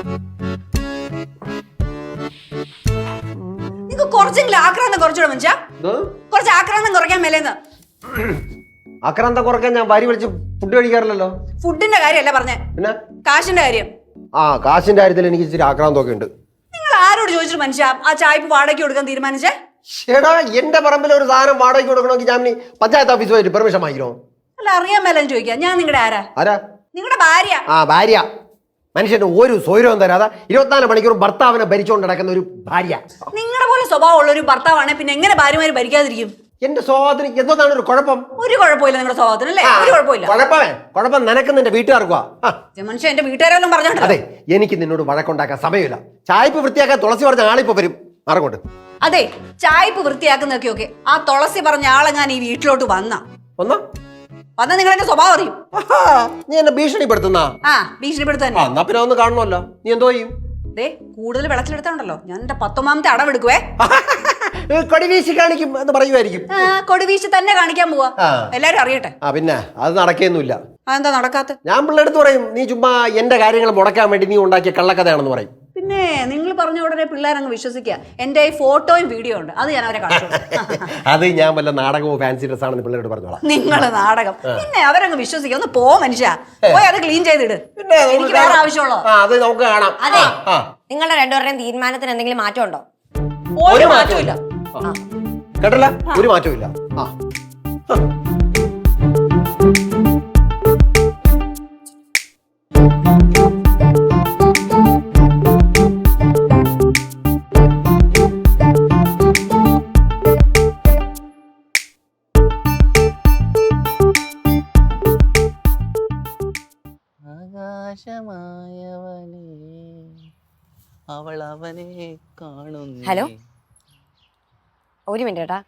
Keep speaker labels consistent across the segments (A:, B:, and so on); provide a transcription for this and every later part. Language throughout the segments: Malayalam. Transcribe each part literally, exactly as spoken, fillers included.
A: നിങ്ങൾക്ക് കുറച്ചെങ്കിലും ആക്രാന്തം കുറച്ചുകൂടെ മനുഷ്യ കുറച്ച് ആക്രാന്തം കുറയ്ക്കാൻ മേലേന്ന്.
B: ആക്രാന്തം കുറയ്ക്കാൻ ഞാൻ വാരി വിളിച്ച് ഫുഡ് കഴിക്കാറില്ലല്ലോ.
A: ഫുഡിന്റെ കാര്യമല്ല പറഞ്ഞേ, പിന്നെ കാശിന്റെ കാര്യം.
B: ആ കാശിന്റെ കാര്യത്തിൽ എനിക്ക് ഇച്ചിരി ആക്രാന്തമൊക്കെ ഉണ്ട്.
A: നിങ്ങൾ ആരോട് ചോദിച്ചിട്ട് മനുഷ്യ ആ ചായപ്പ് വാടകയ്ക്ക് കൊടുക്കാൻ തീരുമാനിച്ചേ?
B: ചേടാ എന്റെ പറമ്പിൽ ഒരു സാധനം വാടകയ്ക്ക് കൊടുക്കണമെങ്കിൽ ഞാൻ പഞ്ചായത്ത് ഓഫീസ് പോയിട്ട് പെർമിഷൻ വാങ്ങിക്കണോ?
A: അല്ല അറിയാൻ മേലെന്ന് ചോദിക്കാം. ഞാൻ നിങ്ങളുടെ ആരാ?
B: ആരാ?
A: നിങ്ങളുടെ ഭാര്യ.
B: ആ ഭാര്യ. മനുഷ്യന് ഒരു സ്വൈരവും തരാതെ ഇരുപത്തിനാല് മണിക്കൂറും ഭർത്താവിനെ ഭരിച്ചുകൊണ്ട് നടക്കുന്ന ഒരു ഭാര്യ.
A: നിങ്ങളുടെ പോലെ സ്വഭാവമുള്ള ഒരു ഭർത്താവാണ് പിന്നെ എങ്ങനെ ഭാര്യമാര് ഭരിക്കാതിരിക്കും?
B: എന്റെ സ്വഭാവത്തിന് എന്താണ് ഒരു കുഴപ്പം?
A: ഒരു കുഴപ്പമില്ല നിങ്ങളുടെ സ്വഭാവത്തിന്, അല്ലേ? ഒരു കുഴപ്പമില്ല.
B: കുഴപ്പമേ കുഴപ്പം നിനക്ക് നിന്റെ വീട്ടുകാർക്കുവാ.
A: മനുഷ്യ എന്റെ വീട്ടുകാരെല്ലാം പറഞ്ഞോണ്ട്.
B: അതെ, എനിക്ക് നിന്നോട് വഴക്കുണ്ടാക്കാൻ സമയമില്ല. ചായപ്പ് വൃത്തിയാക്കാൻ തുളസി പറഞ്ഞ ആളിപ്പോ വരും. മറങ്ങോട്ട്.
A: അതെ, ചായപ്പ് വൃത്തിയാക്കുന്നൊക്കെ ഓക്കെ. ആ തുളസി പറഞ്ഞ ആളെ ഞാൻ ഈ വീട്ടിലോട്ട് വന്ന
B: വന്ന
A: വന്ന നിങ്ങൾ എന്റെ സ്വഭാവം അറിയും.
B: നീ എന്നെ ഭീഷണിപ്പെടുത്തുന്ന?
A: ആ ഭീഷണിപ്പെടുത്താൻ.
B: എന്നാ പിന്നെ ഒന്ന് കാണണമല്ലോ. നീ എന്തോ ചെയ്യും?
A: ദേ കൂടുതൽ വെള്ളത്തിലെടുത്താണ്ടല്ലോ ഞാൻ എന്റെ പത്തൊമ്പതാമത്തെ അടവെടുക്കുവേ.
B: കൊടിവീശി കാണിക്കും എന്ന് പറയുമായിരിക്കും.
A: കൊടിവീശി തന്നെ കാണിക്കാൻ പോവാ, എല്ലാരും അറിയട്ടെ.
B: ആ പിന്നെ അത് നടക്കുകയൊന്നുമില്ല.
A: അതെന്താ നടക്കാത്ത?
B: ഞാൻ പിള്ളേടുത്ത് പറയും നീ ചുമ്മാ എന്റെ കാര്യങ്ങൾ മുടക്കാൻ വേണ്ടി നീ ഉണ്ടാക്കിയ കള്ളക്കഥയാണെന്ന് പറയും.
A: പിന്നെ നിങ്ങൾ പറഞ്ഞ ഉടനെ പിള്ളേരങ്ങ് വിശ്വസിക്കുക. എന്റെ ഈ ഫോട്ടോയും വീഡിയോ ഉണ്ട്, അത് ഞാൻ അവരെ കാണിച്ചു.
B: അത് ഞാൻ വല്ല നാടകമോ ഫാൻസി ഡ്രസ് ആണെന്ന് പിള്ളേരോട് പറഞ്ഞോളാം.
A: നിങ്ങള് നാടകം പിന്നെ അവരങ്ങ് വിശ്വസിക്കുക. ഒന്ന് പോ മനുഷ്യ, പോയി അത് ക്ലീൻ ചെയ്തിട്. എനിക്ക് വേറെ ആവശ്യമുള്ളോ?
B: അത് നമുക്ക് കാണാം.
C: അതെ, നിങ്ങളുടെ രണ്ടുപേരുടെയും തീരുമാനത്തിന് എന്തെങ്കിലും മാറ്റം ഉണ്ടോ?
A: ഒരു മാറ്റമില്ല.
B: കേട്ടല്ല, ഒരു മാറ്റവും ഇല്ല. ആ
D: അവൾ അവനെ കാണുന്നു.
C: ഹലോ, ഒരു മിനിറ്റ് കേട്ടാ.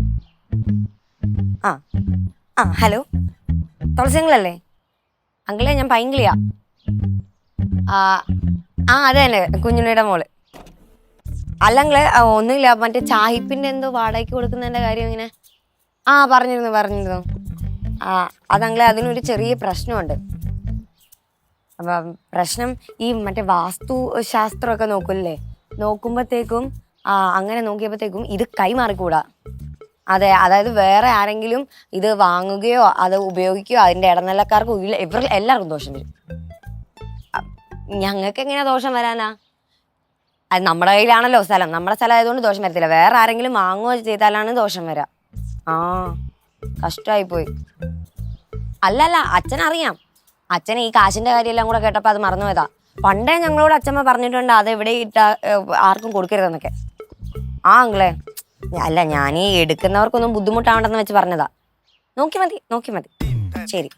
C: ആ ആ ഹലോ, തുളസി അങ്കിളല്ലേ? അങ്കിളെ ഞാൻ പൈങ്കിളിയാ. ആ ആ അതെ തന്നെ, കുഞ്ഞുണ്ണിയുടെ മോള്. അല്ലങ്കിളെ ഒന്നുമില്ല, മറ്റേ ചാഹിപ്പിൻ്റെ എന്തോ വാടകയ്ക്ക് കൊടുക്കുന്നതിൻ്റെ കാര്യം ഇങ്ങനെ ആ പറഞ്ഞിരുന്നു പറഞ്ഞിരുന്നു ആ അതങ്ങളെ അതിനൊരു ചെറിയ പ്രശ്നമുണ്ട്. അപ്പം പ്രശ്നം ഈ മറ്റേ വാസ്തു ശാസ്ത്രമൊക്കെ നോക്കില്ലേ, നോക്കുമ്പോഴത്തേക്കും ആ അങ്ങനെ നോക്കിയപ്പോഴത്തേക്കും ഇത് കൈമാറിക്കൂടാ. അതെ, അതായത് വേറെ ആരെങ്കിലും ഇത് വാങ്ങുകയോ അത് ഉപയോഗിക്കുകയോ അതിൻ്റെ ഇടനിലക്കാർക്കോ ഇല്ല, ഇവർ എല്ലാവർക്കും ദോഷം വരും. ഞങ്ങൾക്ക് എങ്ങനെയാ ദോഷം വരാനാ? അത് നമ്മുടെ കയ്യിലാണല്ലോ സ്ഥലം, നമ്മുടെ സ്ഥലം ആയതുകൊണ്ട് ദോഷം വരത്തില്ല. വേറെ ആരെങ്കിലും വാങ്ങുകയോ ചെയ്താലാണ് ദോഷം വരാം. ആ കഷ്ടമായിപ്പോയി. അല്ലല്ല, അച്ഛനറിയാം. അച്ഛൻ ഈ കാശിൻ്റെ കാര്യമെല്ലാം കൂടെ കേട്ടപ്പോൾ അത് മറന്നു പോയതാ. പണ്ടേ ഞങ്ങളോട് അച്ഛമ്മ പറഞ്ഞിട്ടുണ്ട് അത് എവിടെ ഇട്ട ആർക്കും കൊടുക്കരുതെന്നൊക്കെ. ആ അങ്കിളെ, അല്ല ഞാൻ ഈ എടുക്കുന്നവർക്കൊന്നും ബുദ്ധിമുട്ടാവണ്ടെന്ന് വെച്ച് പറഞ്ഞതാ. നോക്കി മതി നോക്കി മതി ശരി.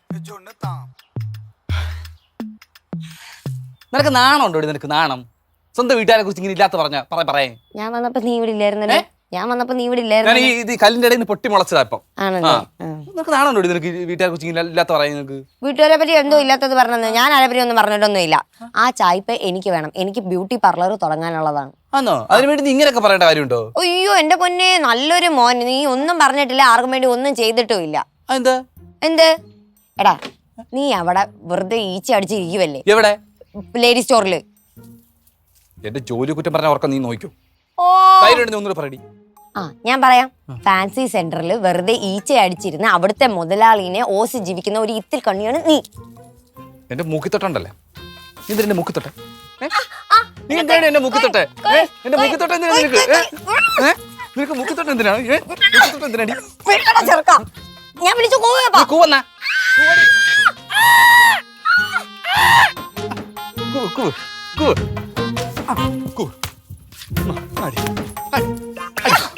D: നിനക്ക് നാണം ഉണ്ടോ? നിനക്ക് നാണം? സ്വന്തം വീട്ടുകാരെ കുറിച്ച് ഇങ്ങനെ ഇല്ലാത്ത പറഞ്ഞ പറയേ.
C: ഞാൻ വന്നപ്പോ നീ ഇവിടെ ഇല്ലായിരുന്നല്ലേ? ഞാൻ വന്നപ്പോ നീ ഇവിടെ ഇല്ലായിരുന്നു.
D: ഇത് കല്ലിന്റെ ഇടയിൽ നിന്ന് പൊട്ടി മുളച്ചതാ ഇപ്പം.
C: ആണല്ലേ?
D: നിനക്ക് നാണം ഉണ്ടോ? നിനക്ക് വീട്ടുകാരെ കുറിച്ച് ഇങ്ങനെ ഇല്ലാത്ത പറയാ. നിനക്ക്
C: വീട്ടുകാരെ പറ്റി എന്തോ ഇല്ലാത്തത് പറഞ്ഞത്. ഞാൻ ആരെ പറ്റി ഒന്നും പറഞ്ഞിട്ടൊന്നും ഇല്ല. ആ ചായ്പ എനിക്ക് വേണം. എനിക്ക് ബ്യൂട്ടി പാർലർ തുടങ്ങാനുള്ളതാണ്.
D: ആണോ? അതിനു വേണ്ടി നീ ഇങ്ങനെയൊക്കെ പറയേണ്ട കാര്യമുണ്ടോ?
C: അയ്യോ എന്റെ പൊന്നെ, നല്ലൊരു മോൻ. നീ ഒന്നും പറഞ്ഞിട്ടില്ല, ആർക്കും വേണ്ടി ഒന്നും ചെയ്തിട്ടും ഇല്ല.
D: എന്താ
C: എന്ത് എടാ, നീ അവിടെ വെറുതെ ഈച്ച അടിച്ചിരിക്കുവല്ലേ?
D: എവിടെ?
C: ലേഡി സ്റ്റോറില്.
D: എന്റെ ജോലി കുറ്റം പറഞ്ഞ ഓർക്കം നീ നോക്കൂ. പറയടി.
C: ആ ഞാൻ പറയാം. ഫാൻസി സെന്ററിൽ വെറുതെ ഈച്ച അടിച്ചിരുന്ന അവിടുത്തെ മുതലാളിനെ ഓസി ജീവിക്കുന്ന ഒരു ഇത്തിൽ കണ്ണിയാണ് നീ.
D: എന്റെ മൂക്കിത്തൊട്ടണ്ടല്ലേ? നീ എന്റെ മൂക്കിത്തൊട്ടെ? നീ എന്താണ് എന്റെ മൂക്കിത്തൊട്ടെ? എന്റെ മൂക്കിത്തൊട്ടെ എന്തിനാ നിനക്ക്? നിനക്ക് മൂക്കിത്തൊട്ടെ എന്തിനാണ്? മൂക്കിത്തൊട്ടെ എന്തിനാടി?
C: ഞാൻ വിളിച്ചു
D: കൂവന്നാ കൂവ് കൂവ് കൂവ് കൂവ്.